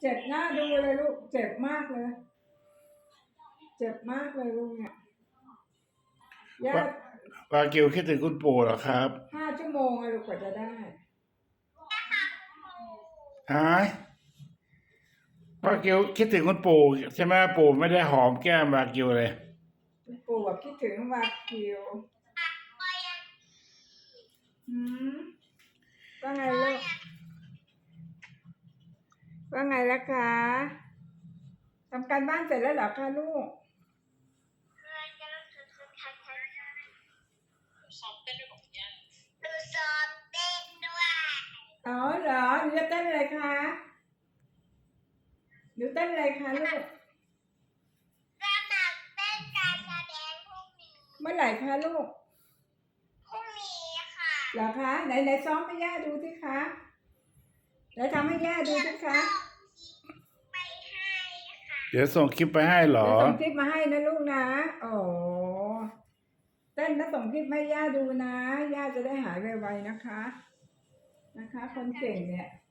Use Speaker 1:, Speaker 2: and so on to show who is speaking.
Speaker 1: เจ็บหน้าดูเลยลูกเจ็บมากเลย เจ็บมากเลยลูกเนี่ยย่าว
Speaker 2: ากิวคิดถึงคุณปู่เหรอครับ
Speaker 1: 5 ชั่วโมงอะลูกกว่าจะได้
Speaker 2: ฮะวากิวคิดถึงคุณปู่ใช่ไหมปู่ไม่ได้หอมแก้มวากิวเลย
Speaker 1: ปู่แบบคิดถึงวากิวว่าไงลูกว่าไงล่ะคะทำการบ้านเสร็จแล้วเหรอคะลูก
Speaker 3: ซ้อมเต้นด้วยของย่า
Speaker 1: หนูซ้อมเต้นด้วยอ๋อเหรอหนูจะเต้นอะไรคะหนูเต้นอะไรคะลูกสมัครเต้นการแสดงพรุ่งนี้เมื่อไหร่คะลูกพรุ่งนี้ค่ะเหรอคะไหนซ้อมให้ย่าดูสิคะแล้วทำให้ย่าดูสิคะ
Speaker 2: เดี๋ยวส่งคลิปไปให้เหรอ
Speaker 1: เดี๋ยวส่งคลิปมาให้นะลูกนะโอ้เต้นแล้วส่งคลิปให้ย่าดูนะย่าจะได้หายไวๆนะคะคนเก่งเนี่ย